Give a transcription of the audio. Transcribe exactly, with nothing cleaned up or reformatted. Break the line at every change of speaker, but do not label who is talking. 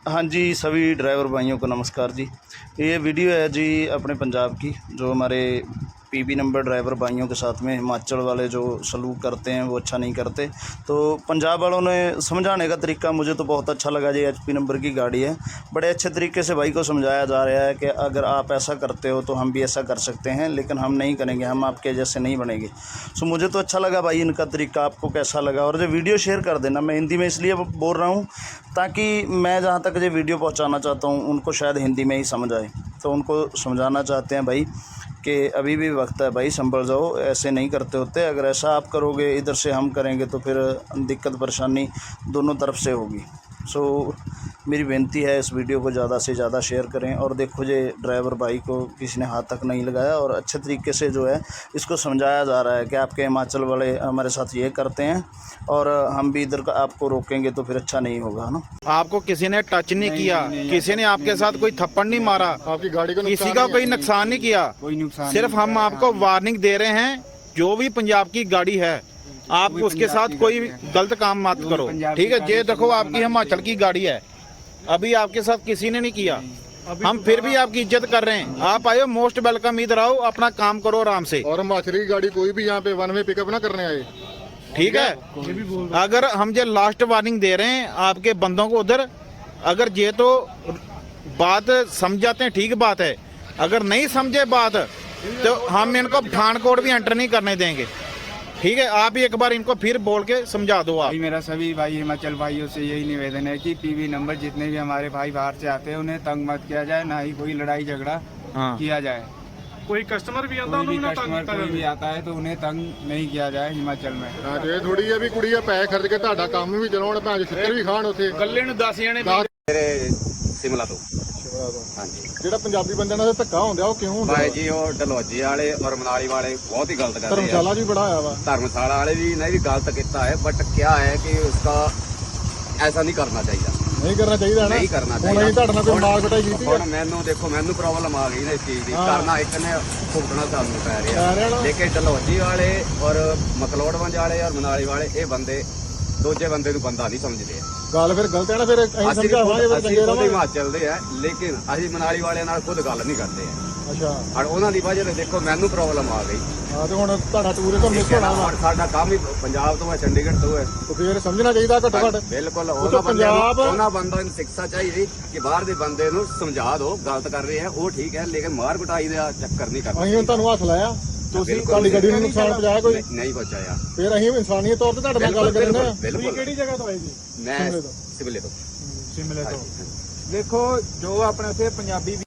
हाँ जी, सभी ड्राइवर भाइयों को नमस्कार जी। ये वीडियो है जी अपने पंजाब की, जो हमारे पीबी नंबर ड्राइवर भाइयों के साथ में हिमाचल वाले जो सलूक करते हैं वो अच्छा नहीं करते। तो पंजाब वालों ने समझाने का तरीका मुझे तो बहुत अच्छा लगा जी। एचपी नंबर की गाड़ी है, बड़े अच्छे तरीके से भाई को समझाया जा रहा है कि अगर आप ऐसा करते हो तो हम भी ऐसा कर सकते हैं, लेकिन हम नहीं करेंगे, हम आपके जैसे नहीं बनेंगे। सो मुझे तो अच्छा लगा भाई इनका तरीका। आपको कैसा लगा? और जो वीडियो शेयर कर देना, मैं हिंदी में इसलिए बोल रहा हूँ ताकि मैं जहाँ तक ये वीडियो पहुँचाना चाहता हूँ उनको शायद हिंदी में ही समझ आए। तो उनको समझाना चाहते हैं भाई कि अभी भी वक्त है भाई, संभल जाओ, ऐसे नहीं करते होते। अगर ऐसा आप करोगे, इधर से हम करेंगे, तो फिर दिक्कत परेशानी दोनों तरफ से होगी। सो मेरी विनती है इस वीडियो को ज़्यादा से ज़्यादा शेयर करें। और देखो ये ड्राइवर भाई को किसी ने हाथ तक नहीं लगाया और अच्छे तरीके से जो है इसको समझाया जा रहा है कि आपके हिमाचल वाले हमारे साथ ये करते हैं और हम भी इधर का आपको रोकेंगे तो फिर अच्छा नहीं होगा, है ना।
आपको किसी ने टच नहीं, नहीं किया, नहीं, नहीं, किसी ने आपके साथ कोई थप्पड़ नहीं मारा,
आपकी गाड़ी को
किसी का कोई नुकसान नहीं किया,
कोई नुकसान।
सिर्फ हम आपको वार्निंग दे रहे हैं, जो भी पंजाब की गाड़ी है आप उसके साथ कोई गलत काम मत करो, ठीक है। ये देखो आपकी हिमाचल की गाड़ी है, अभी आपके साथ किसी ने नहीं किया, हम फिर भी आपकी इज्जत कर रहे हैं। आप आए, मोस्ट वेलकम, इधर आओ, अपना काम करो आराम से।
और हिमाचली की गाड़ी कोई भी यहाँ पे वन वे पिकअप ना करने आए,
ठीक है। अगर हम ये लास्ट वार्निंग दे रहे हैं आपके बंदों को उधर, अगर ये तो बात समझ जाते हैं ठीक बात है, अगर नहीं समझे बात तो हम इनको पठानकोट भी एंटर नहीं करने देंगे, ठीक है। आप एक बार इनको फिर बोल के समझा दो। आप
मेरा सभी भाई हिमाचल भाइयों से यही निवेदन है कि पीवी नंबर जितने भी हमारे भाई बाहर से आते हैं उन्हें तंग मत किया जाए, ना ही कोई लड़ाई झगड़ा
हाँ।
किया जाए।
कोई कस्टमर भी आता
कोई भी कस्टमर कोई भी आता है तो उन्हें तंग नहीं किया जाए हिमाचल में।
हाँ जो थोड़ी है भी कुड़ी पैसे खर्च के ਤੁਹਾਡਾ ਕੰਮ ਵੀ ਚਲਾਉਣ, ਭਾਂ ਛਿੱਤਰ ਵੀ ਖਾਣ ਉੱਥੇ
ਕੱਲੇ ਨੂੰ ਦਸ ਜਣੇ
ਮੇਰੇ ਸਿਮਲਾ ਤੋਂ। ਹਾਂਜੀ,
ਜਿਹੜਾ ਪੰਜਾਬੀ ਬੰਦਿਆਂ ਨਾਲ ਧੱਕਾ ਹੁੰਦਾ ਉਹ ਕਿਉਂ ਹੁੰਦਾ
ਭਾਈ ਜੀ? ਉਹ ਡਲਹੌਜੀ ਵਾਲੇ ਔਰ ਮਨਾਲੀ ਵਾਲੇ ਬਹੁਤ ਹੀ ਗਲਤ ਕਰਦੇ ਆ।
ਧਰਮਸ਼ਾਲਾ ਵੀ ਬੜਾ ਆਇਆ ਵਾ,
ਧਰਮਸ਼ਾਲਾ ਵਾਲੇ भी नहीं भी गलत किया है, बट क्या है कि उसका ऐसा नहीं करना चाहिए,
ਨਹੀਂ ਕਰਨਾ ਚਾਹੀਦਾ ਹੈ ਨਾ।
नहीं करना
ਹੁਣ
चाहिए।
ਅਸੀਂ ਤੁਹਾਡੇ ਨਾਲ ਕੋਈ ਮਾਰ ਕੁਟਾਈ ਕੀਤੀ ਹੈ?
ਹੁਣ ਮੈਨੂੰ ਦੇਖੋ, ਮੈਨੂੰ ਪ੍ਰੋਬਲਮ ਆ ਗਈ ਨਾ ਇਸ ਚੀਜ਼ ਦੀ, ਕਰਨਾ ਇੱਕ ਨੇ ਭੁਗਤਣਾ ਸਾਨੂੰ ਪੈ
ਪੈ ਰਿਹਾ
ਰਿਹਾ।
ਨਾ।
ਲੇਕਿਨ ਡਲਹੌਜੀ ਵਾਲੇ ਔਰ ਮਕਲੋੜਵੰਜ ਵਾਲੇ ਔਰ ਮਨਾਲੀ ਵਾਲੇ ਇਹ ਬੰਦੇ ਦੂਜੇ ਬੰਦੇ ਨੂੰ ਬੰਦਾ ਨਹੀਂ ਸਮਝਦੇ।
ਗੱਲ ਫਿਰ ਗਲਤ ਹੈ ਨਾ, ਫਿਰ ਅਸੀਂ
ਅਸੀਂ
ਸਮਝਾਵਾਂਗੇ ਫਿਰ
ਅਸੀਂ
ਚੰਗੇ
ਖੁਦ
ਰਹਾਂਗੇ।
ਹਿਮਾਚਲ ਦੇ ਆ, ਲੇਕਿਨ ਅਸੀਂ ਮਨਾਲੀ ਵਾਲਿਆਂ ਨਾਲ ਖੁਦ ਗੱਲ ਨਹੀਂ ਕਰਦੇ ਆ।
ਅੱਛਾ,
ਔਰ ਉਹਨਾਂ ਦੀ ਵਜ੍ਹਾ ਤੇ ਦੇਖੋ ਮੈਨੂੰ ਪ੍ਰੋਬਲਮ ਆ ਗਈ।
ਹਾਂ ਤੇ ਹੁਣ ਤੁਹਾਡਾ ਟੂਰ ਤੋਂ ਮਿਸ ਹੋਣਾ ਵਾ,
ਔਰ ਸਾਡਾ ਕੰਮ ਹੀ ਪੰਜਾਬ ਤੋਂ ਹੈ, ਚੰਡੀਗੜ੍ਹ ਤੋਂ ਹੈ।
ਤੇ ਫਿਰ ਸਮਝਣਾ ਚਾਹੀਦਾ ਘੱਟੋ ਘੱਟ।
ਬਿਲਕੁਲ,
ਉਹ
ਉਹਨਾਂ ਬੰਦਿਆਂ ਨੂੰ
ਪੰਜਾਬ-
ਉਹਨਾਂ ਬੰਦਿਆਂ ਨੂੰ ਸਿੱਖਿਆ ਚਾਹੀਦੀ ਕਿ ਬਾਹਰ ਦੇ ਬੰਦੇ ਨੂੰ ਸਮਝਾ ਦਿਓ ਗਲਤ ਕਰ ਰਹੇ ਆ ਉਹ ਠੀਕ ਹੈ, ਲੇਕਿਨ ਮਾਰ ਕੁਟਾਈ ਦਾ ਚੱਕਰ ਨਹੀਂ ਕਰਨਾ।
ਅਸੀਂ ਹੁਣ ਤੁਹਾਨੂੰ ਹੱਥ ਲਾਇਆ, ਤੁਸੀਂ
ਬਿਲਕੁਲ
ਤੁਹਾਡੀ ਗੱਡੀ ਨੂੰ ਨੁਕਸਾਨ ਪਹੁੰਚਾਇਆ ਕੋਈ?
ਨਹੀਂ- ਨਹੀਂ ਪਹੁੰਚਾਇਆ।
ਫਿਰ ਅਸੀਂ ਇਨਸਾਨੀਅਤ ਤੌਰ ਤੇ ਤੁਹਾਡੇ ਨਾਲ ਗੱਲ
ਬਿਲਕੁਲ
ਕਰਨੇ ਆ।
ਬਿਲਕੁਲ।
ਕਿਹੜੀ ਜਗ੍ਹਾ ਤੋਂ ਆਏ ਜੀ?
ਮੈਂ
ਸ਼ਿਮਲੇ ਤੋਂ।
ਸਿਮਲੇ ਤੋਂ।
ਸ਼ਿਮਲੇ ਤੋਂ।
ਦੇਖੋ ਜੋ ਆਪਣੇ ਇੱਥੇ ਪੰਜਾਬੀ